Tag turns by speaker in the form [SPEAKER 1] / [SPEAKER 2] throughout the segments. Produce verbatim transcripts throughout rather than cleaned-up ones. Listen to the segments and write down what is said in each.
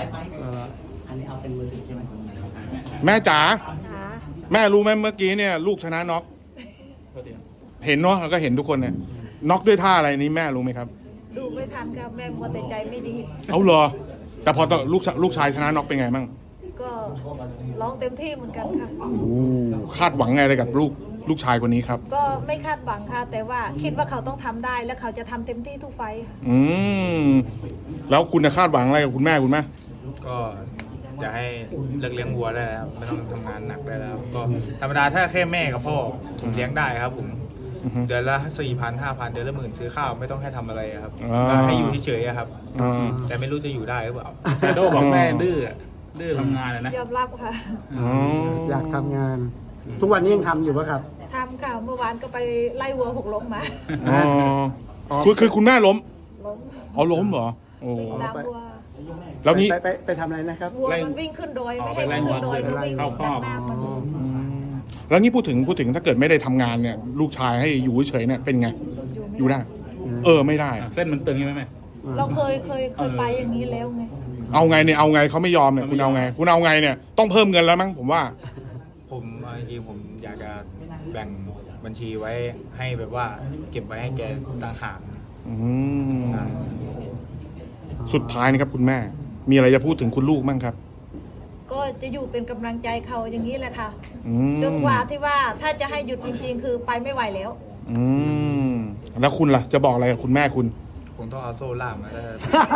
[SPEAKER 1] อันนี้เอาเป็นมือถือใช่ไหม
[SPEAKER 2] แม่จ๋า
[SPEAKER 3] ค่ะ
[SPEAKER 2] แม่รู้ไหมเมื่อกี้เนี่ยลูกชนะน็อกเห็นเนาะแล้วก็เห็นทุกคนเนี่ยน็อกด้วยท่าอะไรนี้แม่รู้ไหมครับ
[SPEAKER 3] ดูไม่ทันครับแม่มัวแต่ใจไม่ดี
[SPEAKER 2] เอาเหรอแต่พอตอนลูกลูกชายชนะน็อกเป็นไงมั่ง
[SPEAKER 3] ก็ร้องเต็มที่เหมือนกันค่ะ
[SPEAKER 2] โอ้คาดหวังไงอะไรกับลูกลูกชายคนนี้ครับ
[SPEAKER 3] ก็ไม่คาดหวังค่ะ แต่ว่าคิดว่าเขาต้องทำได้และเขาจะทำเต็มที่ทุกไฟท์ค่ะ
[SPEAKER 2] อืมแล้วคุณจะคาดหวังอะไรกับคุณแม่คุณแม่
[SPEAKER 4] ก็อยากให้เลิกเลี้ยงวัวได้แล้วครับไม่ต้องทำงานหนักได้แล้วก็ธรรมดาถ้าแค่แม่กับพ่อผมเลี้ยงได้ครับผม
[SPEAKER 2] อือฮึ
[SPEAKER 4] เดือนละสี่พันห้าพันเดือนละหมื่นซื้อข้าวไม่ต้องให้ทำอะไรครับ
[SPEAKER 2] อ่า
[SPEAKER 4] ก็ให้อยู่เฉยๆอะครับ
[SPEAKER 2] อ่า
[SPEAKER 4] แต่ไม่รู้จะอยู่ได้หรือเปล่า
[SPEAKER 5] แต่โดบอกแม่ดื้อดื้อทำงานเลยนะ
[SPEAKER 3] ยอมรับค่ะ
[SPEAKER 2] อ๋อ
[SPEAKER 1] อยากทำงาน ทุกวันนี้ยังทำอยู่ปะครับ
[SPEAKER 3] ทำค่ะเมื่อวานก็ไปไล่วัวหกล้มมา
[SPEAKER 2] อ๋อคือคือคุณแม่ล้ม
[SPEAKER 3] ล้ม
[SPEAKER 2] เอาล้มเหรอโอ้
[SPEAKER 3] วิ่งตามวัว
[SPEAKER 2] แล้วนี่
[SPEAKER 1] ไปไปไปทำอะไรนะครับ
[SPEAKER 3] วัวมันวิ่งขึ้นโดยไม่ให้มันขึ้นโดยมันวิ่งตัดหน้ามัน
[SPEAKER 2] อืมแล้วนี่พูดถึงพูดถึงถ้าเกิดไม่ได้ทำงานเนี่ย ลูกชายให้อยู่เฉยๆเนี่ยเป็นไง อยู่ได้ เออไม่ได้
[SPEAKER 5] เส้นมันตึงใช่ไหมแม่
[SPEAKER 3] เราเคยเคยเคยไปอย่างนี้แล้วไง
[SPEAKER 2] เอาไงเนี่ยเอาไงเขาไม่ยอมเนี่ยคุณเอาไง คุณเอาไงเนี่ยต้องเพิ่มเงินแล้วมั้งผมว่า
[SPEAKER 4] ผมเอาจริงๆผมอยากจะแบ่งบัญชีไว้ให้แบบว่าเก็บไว้ให้แกต่างหาก
[SPEAKER 2] อืม
[SPEAKER 4] ใช่
[SPEAKER 2] สุดท้ายนะครับคุณแม่ มีอะไรจะพูดถึงคุณลูกมั่งครับ
[SPEAKER 3] ก็จะอยู่เป็นกำลังใจเขาอย่างนี้แหละค่ะ
[SPEAKER 2] อืม
[SPEAKER 3] จนกว่าที่ว่าถ้าจะให้หยุดจริง ๆ คือไปไม่ไหวแล้ว
[SPEAKER 2] อืมแล้วคุณล่ะจะบอกอะไรกับคุณแม่คุณ
[SPEAKER 4] คงต้องเอาโซ่ล่ามมาแล้ว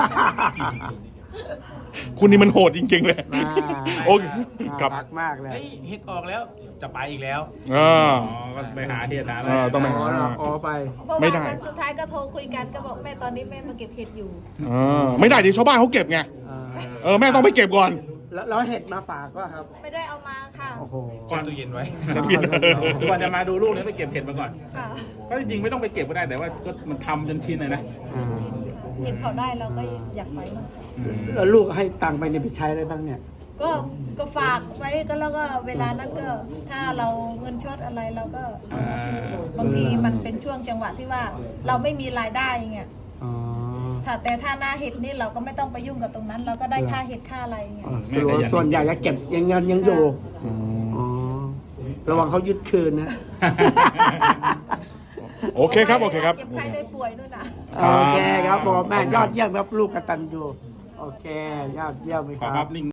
[SPEAKER 2] คุณนี่มันโหดจริง ๆ เลย
[SPEAKER 1] อ่า
[SPEAKER 2] โอเคครับ
[SPEAKER 1] รักมากเลย
[SPEAKER 4] เฮ้ยเฮ็ดออกแล้วจะไปอีกแล้ว
[SPEAKER 2] อ่า
[SPEAKER 5] อ๋อก็ไปหาเหตุหาอะไร
[SPEAKER 2] เออต้องไปหา
[SPEAKER 1] อ๋ออ๋อไป
[SPEAKER 3] เมื่อ
[SPEAKER 2] ไม่
[SPEAKER 3] วาน
[SPEAKER 2] ได้
[SPEAKER 3] วันสุดท้ายก็โทรคุยกันก็บอกแม่ตอนนี้แม่มาเก็บเห็ดอยู่
[SPEAKER 2] อ่าไม่ได้เดี๋ยวชาวบ้านเขาเก็บไง
[SPEAKER 1] อ่า
[SPEAKER 2] เออแม่ต้องไปเก็บก่อน
[SPEAKER 1] แล้วแล้วเห็ดมาฝากก็ครับ
[SPEAKER 3] ไม่ได้เอามาค่ะ
[SPEAKER 1] โอ้โห
[SPEAKER 4] แช่ตู้เย็นไว้
[SPEAKER 5] ก่อนจะมาดูลูกเนี่ยไปเก็บเห็ดมาก่อน
[SPEAKER 3] ค่ะ
[SPEAKER 5] ก็จริงๆไม่ต้องไปเก็บก็ได้แต่ว่าก็มันทำจนชินเลยนะ
[SPEAKER 1] อ่า
[SPEAKER 3] จริงค่ะเห็นเขาได้เราก็อยากไปมั่ง
[SPEAKER 1] แล้วลูกให้ตังค์ไปเนี่ยไปใช้อะไรบ้างเนี่ย
[SPEAKER 3] ก็ก็ฝากไว้ก็แล้วก็เวลานั้นก็ถ้าเราเงินชดอะไรเราก็เอามาซื้อบางทีมันเป็นช่วงจังหวะที่ว่าเราไม่มีรายได้เงี้ย
[SPEAKER 1] อ๋อ
[SPEAKER 3] ถ้าแต่ถ้าหน้าเห็ดนี่เราก็ไม่ต้องไปยุ่งกับตรงนั้น เราก็ได้ค่าเห็ดค่าอะไรเงี้ย
[SPEAKER 1] อ๋อส่วนส่วนใหญ่จะเก็บยังเงินยังอยู่
[SPEAKER 2] อืม
[SPEAKER 1] อ๋อ ระวังเขายึดคืนนะ
[SPEAKER 2] โอเคครับ โอเคครับ
[SPEAKER 3] เจ็บไข้ได้ป่วยนู่นน่ะ
[SPEAKER 2] ครับ
[SPEAKER 1] โอเคครับผมแม่ยอดเยี่ยมครับลูกกตัญญูโอเค ยอดเยี่ยมไหม
[SPEAKER 5] ข
[SPEAKER 1] ค
[SPEAKER 5] อ
[SPEAKER 1] รั
[SPEAKER 5] รับ บลิง